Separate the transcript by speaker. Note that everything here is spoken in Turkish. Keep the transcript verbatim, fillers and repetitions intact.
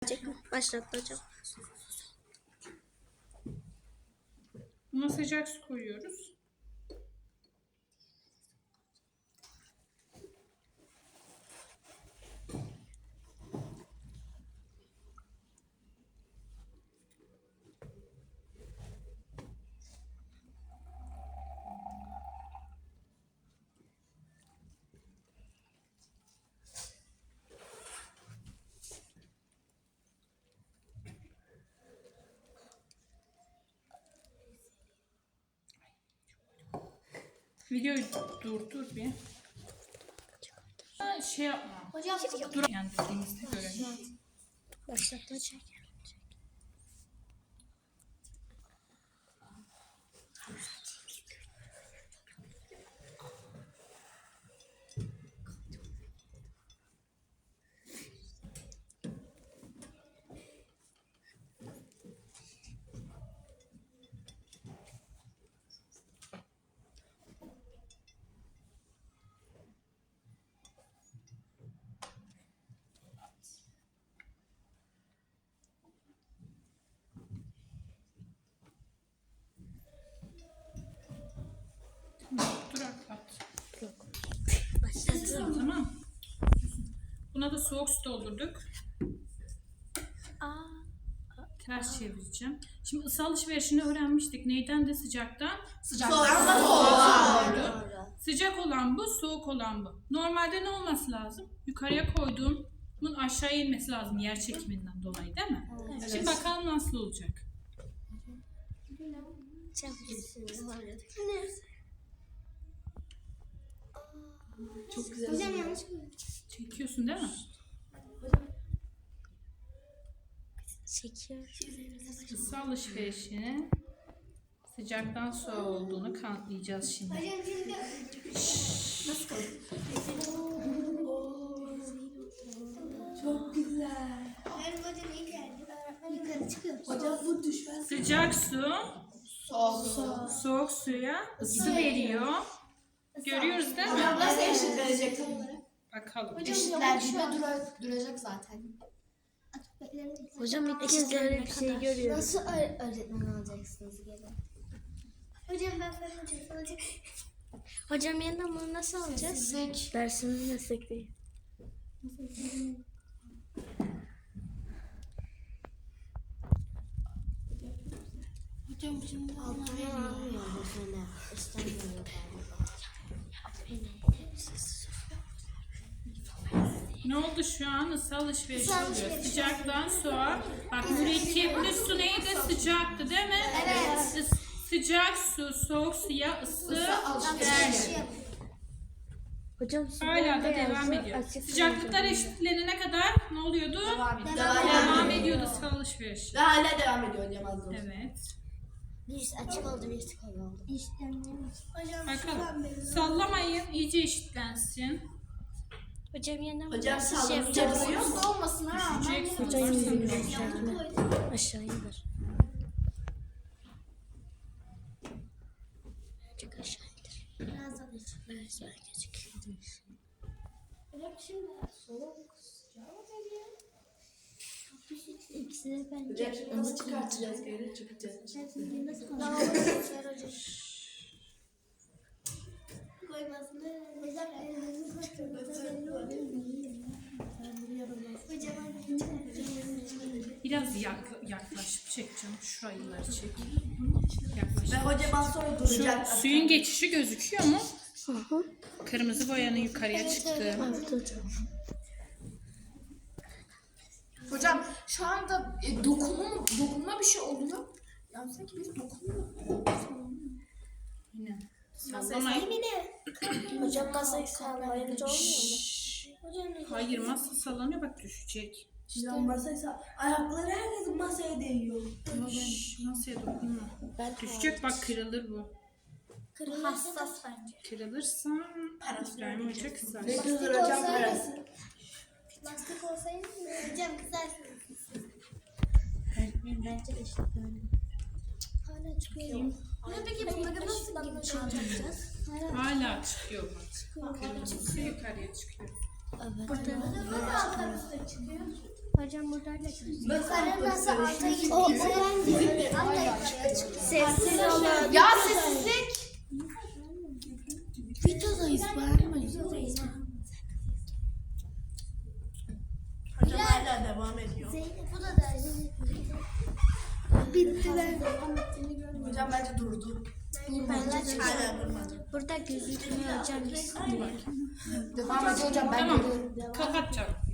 Speaker 1: Gelecek mi? Başlattı hocam.
Speaker 2: Buna sıcak su koyuyoruz. Videoyu durdur bir. Ha, şey yapma.
Speaker 3: Hocam
Speaker 2: Dur yani dediğimizde görelim.
Speaker 1: Başlattı hocam.
Speaker 2: Dur atlat.
Speaker 1: Başlattı.
Speaker 2: Tamam. Buna da soğuk su doldurduk.
Speaker 1: Aa,
Speaker 2: Ters çevireceğim. Şimdi ısı alışverişini öğrenmiştik. Neyden de sıcaktan?
Speaker 3: sıcaktan soğuğa
Speaker 2: doğru. Sıcak olan bu, soğuk olan bu. Normalde ne olması lazım? Yukarıya koyduğumun aşağıya inmesi lazım yer çekiminden dolayı değil mi?
Speaker 3: Evet.
Speaker 2: Şimdi bakalım nasıl olacak.
Speaker 3: Çok güzel.
Speaker 4: Hocam yanlış mı?
Speaker 2: Çekiyorsun değil mi?
Speaker 1: çekiyor.
Speaker 2: Isı alışverişini sıcaktan soğuğa olduğunu kanıtlayacağız şimdi.
Speaker 4: Hocam şimdi
Speaker 3: Çok güzel.
Speaker 4: benim hocam iyi geldi. Öğretmen yukarı çıkıyor.
Speaker 3: Hocam bu düşmez.
Speaker 2: Sıcak su
Speaker 3: Soğuk.
Speaker 2: soğuk suya ısı veriyor. Görüyoruz değil mi?
Speaker 3: Hocam nasıl eşit verecek?
Speaker 2: Bakalım.
Speaker 3: Eşitlendiğinde dura, duracak zaten.
Speaker 1: Hocam ilk kez böyle bir şey görüyorum.
Speaker 4: Nasıl öğretmen olacaksınız geri? Hocam ben fen hocası olacağım.
Speaker 1: Hocam yeniden bunu nasıl alacağız?
Speaker 3: Sizlik.
Speaker 1: Dersimiz meslek değil.
Speaker 3: Hocam şimdi
Speaker 1: Altına almıyor bu sene. İstemiyor
Speaker 2: Ne oldu şu an? Isı alışverişi
Speaker 4: Isı
Speaker 2: oluyor.
Speaker 4: alışverişi.
Speaker 2: Sıcaktan soğuğa. Bak mürekkepli su neydi? Sıcaktı değil mi?
Speaker 4: Evet.
Speaker 2: Is- Sıcak su, soğuk suya ısı verdi.
Speaker 1: Hocam su
Speaker 2: Hala da
Speaker 1: beyazı,
Speaker 2: devam ediyor.
Speaker 1: açık
Speaker 2: Sıcaklıklar
Speaker 1: rengi.
Speaker 2: eşitlenene kadar ne oluyordu?
Speaker 3: devam ediyor.
Speaker 2: Devam ediyordu ısı alışverişi.
Speaker 3: Ve hala devam ediyor hocam az da.
Speaker 2: Evet.
Speaker 1: Birisi açık oldu, birisi koyu oldu.
Speaker 4: Hocam
Speaker 2: Bakalım. Sallamayın. iyice eşitlensin.
Speaker 1: Hocam yeniden
Speaker 3: Hocam
Speaker 1: nasıl
Speaker 3: sağlıklı
Speaker 1: yapacağız?
Speaker 3: yapıyoruz da olmasın ha.
Speaker 2: Düşecek.
Speaker 1: Hocam yeniden yükseltme. Aşağı indir. Azıcık aşağı indir.
Speaker 4: Biraz daha
Speaker 1: Evet, belki gözüküyor.
Speaker 4: Hocam şimdi soğuk sıcak geliyor. İkisini ben
Speaker 3: Hocam şimdi nasıl çıkartacağız geri çıkacağız.
Speaker 4: Koymasını hocam elinizi
Speaker 2: Biraz yakla, yaklaşıp çekeceğim. Şurayıları çek. Yaklaş.
Speaker 3: Ve hocam az sonra
Speaker 2: Şu
Speaker 3: duracak.
Speaker 2: suyun geçişi gözüküyor mu?
Speaker 1: Hı hı.
Speaker 2: Kırmızı boyanın yukarıya çıktığı.
Speaker 1: Evet hocam.
Speaker 3: Hocam şu anda e, dokunma, dokunma bir şey oluyor. Yani sanki biz dokunmuyor.
Speaker 2: Aynen. Sallamayın.
Speaker 1: Hocam masayı sağlayınca olmuyor mu?
Speaker 2: Hayır, masa sallanıyor, bak düşecek.
Speaker 3: İşte masaysa ayakları herkesin masaya değiyor.
Speaker 2: Şşş, masaya dokunma.
Speaker 1: Ben
Speaker 2: Düşecek, bak kırılır bu.
Speaker 4: hassas bence.
Speaker 2: Kırılırsa
Speaker 3: Parası
Speaker 2: İbrahim Hoca kızar.
Speaker 3: Ne kızdır hocam parası?
Speaker 4: Lastik olsaydı hocam kızarsınız.
Speaker 1: Bence de işte böyle.
Speaker 4: Hala çıkıyor. Ne peki bunları nasıl çıkartacağız?
Speaker 2: Hala çıkıyor bak. Kırmızısı yukarıya çıkıyor.
Speaker 1: Evet.
Speaker 4: Nasıl alttan üstte çıkıyor? Hocam buradan da
Speaker 3: Yukarı
Speaker 4: nasıl alta gittiyse sessiz olun.
Speaker 3: Ya sessizlik.
Speaker 1: Videodayız bağırmayın.
Speaker 3: Hocam hala devam ediyor.
Speaker 4: Zeynep bu da da.
Speaker 1: Bittiler.
Speaker 3: Hocam bence durdu. Hala durmadı.
Speaker 4: Burada gözükmüyor hocam.
Speaker 3: Devam ediyor hocam ben
Speaker 2: Tamam.
Speaker 3: görüyorum.
Speaker 2: Kapatacağım.